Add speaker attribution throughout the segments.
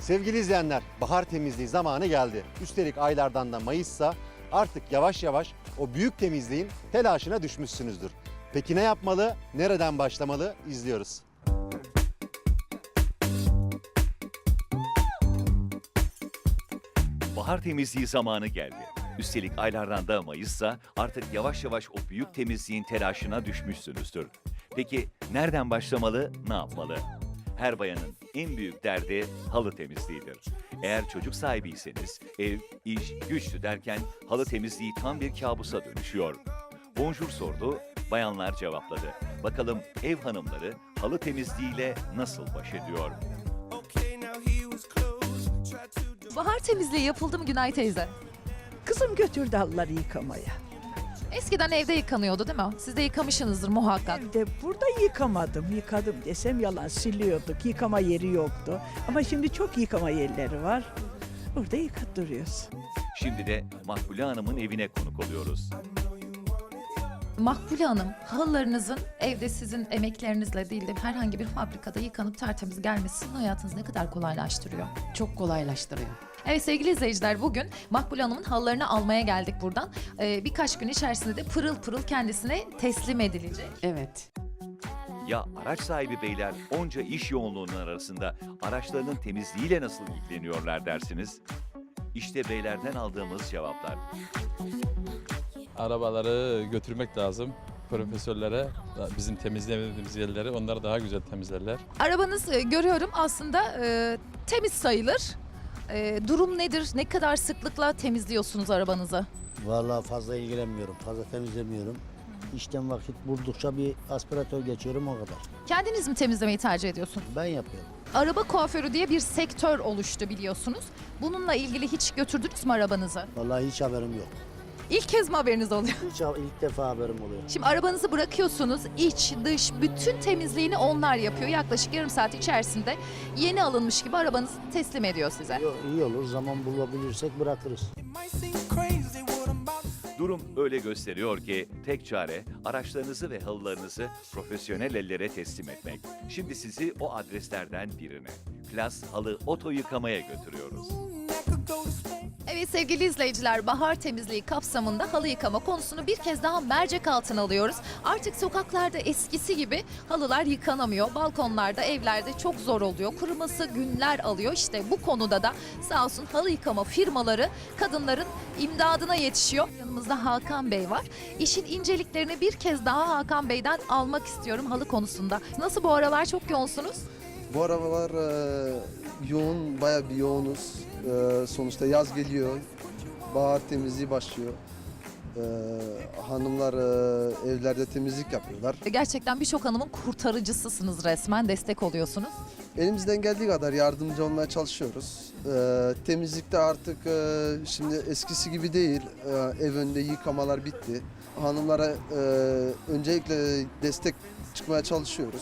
Speaker 1: Sevgili izleyenler, bahar temizliği zamanı geldi. Üstelik aylardan da Mayıs'sa artık yavaş yavaş o büyük temizliğin telaşına düşmüşsünüzdür. Peki ne yapmalı, nereden başlamalı izliyoruz.
Speaker 2: Bahar temizliği zamanı geldi. Üstelik aylardan da Mayıs'sa artık yavaş yavaş o büyük temizliğin telaşına düşmüşsünüzdür. Peki nereden başlamalı, ne yapmalı? Her bayanın en büyük derdi halı temizliğidir. Eğer çocuk sahibiyseniz ev, iş, güçtü derken halı temizliği tam bir kabusa dönüşüyor. Bonjour sordu, bayanlar cevapladı. Bakalım ev hanımları halı temizliğiyle nasıl baş ediyor?
Speaker 3: Bahar temizliği yapıldı mı Günay teyze?
Speaker 4: Kızım götürdü halıları yıkamaya.
Speaker 3: Eskiden evde yıkanıyordu değil mi? Siz de yıkamışsınızdır muhakkak.
Speaker 4: Evde burada yıkamadım. Yıkadım desem yalan, siliyorduk. Yıkama yeri yoktu. Ama şimdi çok yıkama yerleri var. Orada yıkattırıyoruz.
Speaker 2: Şimdi de Makbule Hanım'ın evine konuk oluyoruz.
Speaker 3: Makbule Hanım, halılarınızın evde sizin emeklerinizle değil de herhangi bir fabrikada yıkanıp tertemiz gelmesi sizin hayatınızı ne kadar kolaylaştırıyor?
Speaker 5: Çok kolaylaştırıyor.
Speaker 3: Evet sevgili izleyiciler, bugün Makbule Hanım'ın halılarını almaya geldik buradan. Birkaç gün içerisinde de pırıl pırıl kendisine teslim edilecek.
Speaker 5: Evet.
Speaker 2: Ya araç sahibi beyler onca iş yoğunluğunun arasında araçlarının temizliğiyle nasıl ilgileniyorlar dersiniz? İşte beylerden aldığımız cevaplar.
Speaker 6: Arabaları götürmek lazım profesörlere, bizim temizlemediğimiz yerleri onlar daha güzel temizlerler.
Speaker 3: Arabanız görüyorum aslında temiz sayılır. Durum nedir? Ne kadar sıklıkla temizliyorsunuz arabanızı?
Speaker 7: Vallahi fazla ilgilenmiyorum, fazla temizlemiyorum. İşten vakit buldukça bir aspiratör geçiyorum o kadar.
Speaker 3: Kendiniz mi temizlemeyi tercih ediyorsunuz?
Speaker 7: Ben yapıyorum.
Speaker 3: Araba kuaförü diye bir sektör oluştu biliyorsunuz. Bununla ilgili hiç götürdünüz mü arabanızı?
Speaker 7: Vallahi hiç haberim yok.
Speaker 3: İlk kez mi haberiniz oluyor?
Speaker 7: İlk defa haberim oluyor.
Speaker 3: Şimdi arabanızı bırakıyorsunuz, iç, dış, bütün temizliğini onlar yapıyor. Yaklaşık yarım saat içerisinde yeni alınmış gibi arabanızı teslim ediyor size.
Speaker 7: İyi olur, zaman bulabilirsek bırakırız.
Speaker 2: Durum öyle gösteriyor ki tek çare araçlarınızı ve halılarınızı profesyonel ellere teslim etmek. Şimdi sizi o adreslerden birine, Klas Halı Oto Yıkama'ya götürüyoruz.
Speaker 3: Evet sevgili izleyiciler, bahar temizliği kapsamında halı yıkama konusunu bir kez daha mercek altına alıyoruz. Artık sokaklarda eskisi gibi halılar yıkanamıyor. Balkonlarda, evlerde çok zor oluyor. Kuruması günler alıyor. İşte bu konuda da sağ olsun halı yıkama firmaları kadınların imdadına yetişiyor. Yanımızda Hakan Bey var. İşin inceliklerini bir kez daha Hakan Bey'den almak istiyorum halı konusunda. Nasıl bu aralar çok yoğunsunuz?
Speaker 8: Bu arabalar yoğun, bayağı bir yoğunuz. Sonuçta yaz geliyor, bahar temizliği başlıyor. Hanımlar evlerde temizlik yapıyorlar.
Speaker 3: Gerçekten birçok hanımın kurtarıcısısınız resmen, destek oluyorsunuz.
Speaker 8: Elimizden geldiği kadar yardımcı olmaya çalışıyoruz. Temizlikte artık şimdi eskisi gibi değil, ev önünde yıkamalar bitti. Hanımlara öncelikle destek çıkmaya çalışıyoruz.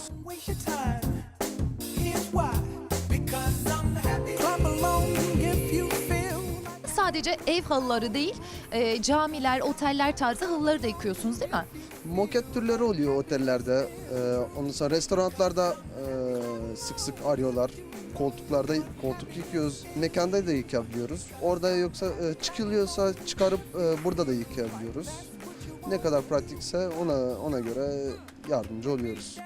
Speaker 3: Sadece ev halıları değil, camiler, oteller tarzı halıları da yıkıyorsunuz değil mi?
Speaker 8: Moket türleri oluyor otellerde. Ondan sonra restoranlarda sık sık arıyorlar. Koltuklarda koltuk yıkıyoruz. Mekanda da yıkayabiliyoruz. Orada yoksa çıkılıyorsa çıkarıp burada da yıkayabiliyoruz. Ne kadar pratikse ona göre yardımcı oluyoruz.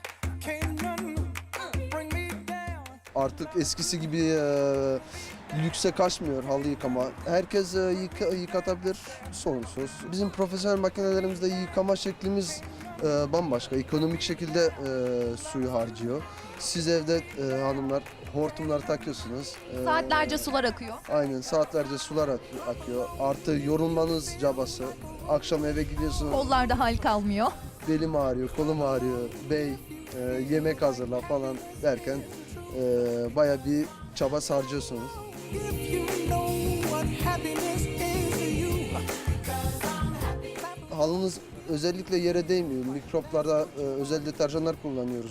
Speaker 8: Artık eskisi gibi lükse kaçmıyor halı yıkama. Herkes yıkatabilir, sorunsuz. Bizim profesyonel makinelerimizde yıkama şeklimiz bambaşka. Ekonomik şekilde suyu harcıyor. Siz evde hanımlar hortumları takıyorsunuz.
Speaker 3: Saatlerce sular akıyor.
Speaker 8: Aynen, saatlerce sular akıyor. Artı yorulmanız cabası. Akşam eve gidiyorsunuz.
Speaker 3: Kollarda hal kalmıyor.
Speaker 8: Belim ağrıyor, kolum ağrıyor. Bey, yemek hazırla falan derken bayağı bir çaba harcıyorsunuz. Halınız özellikle yere değmiyor. Mikroplarda özel deterjanlar kullanıyoruz.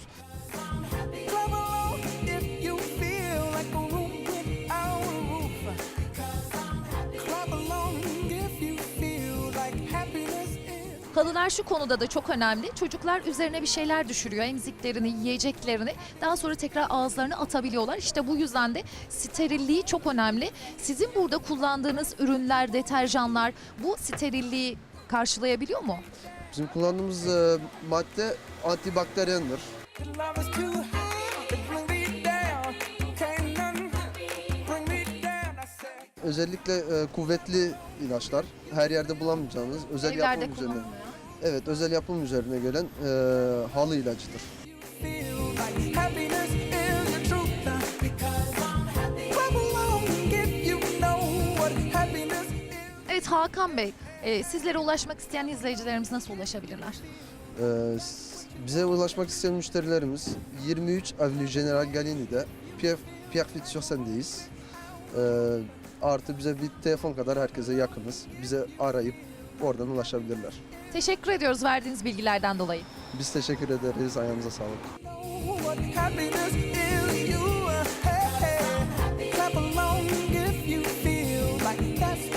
Speaker 3: Halılar şu konuda da çok önemli. Çocuklar üzerine bir şeyler düşürüyor. Emziklerini, yiyeceklerini. Daha sonra tekrar ağızlarını atabiliyorlar. İşte bu yüzden de sterilliği çok önemli. Sizin burada kullandığınız ürünler, deterjanlar bu sterilliği karşılayabiliyor mu?
Speaker 8: Bizim kullandığımız madde antibakteryendir.
Speaker 5: Love is too high to bring me down. Can't none bring me down. I said.
Speaker 8: Özellikle kuvvetli ilaçlar, her yerde bulamayacağınız özel
Speaker 3: Evlerde
Speaker 8: yapım üzerine.
Speaker 3: kullanılıyor.
Speaker 8: Evet, özel yapım üzerine gelen halı ilacıdır.
Speaker 5: Feel like happiness is the truth. Because I'm happy. Clap along if you know what happiness is.
Speaker 3: Evet Hakan Bey, sizlere ulaşmak isteyen izleyicilerimiz nasıl ulaşabilirler?
Speaker 8: Bize ulaşmak isteyen müşterilerimiz 23 Avenue General Galini'de Pierre Fitzgerald'deyiz. Artı bize bir telefon kadar herkese yakınız. Bize arayıp oradan ulaşabilirler.
Speaker 3: Teşekkür ediyoruz verdiğiniz bilgilerden dolayı.
Speaker 8: Biz teşekkür ederiz. Ayağınıza sağlık.
Speaker 5: Know what happiness is. You, hey, hey. Clap along if you feel like that's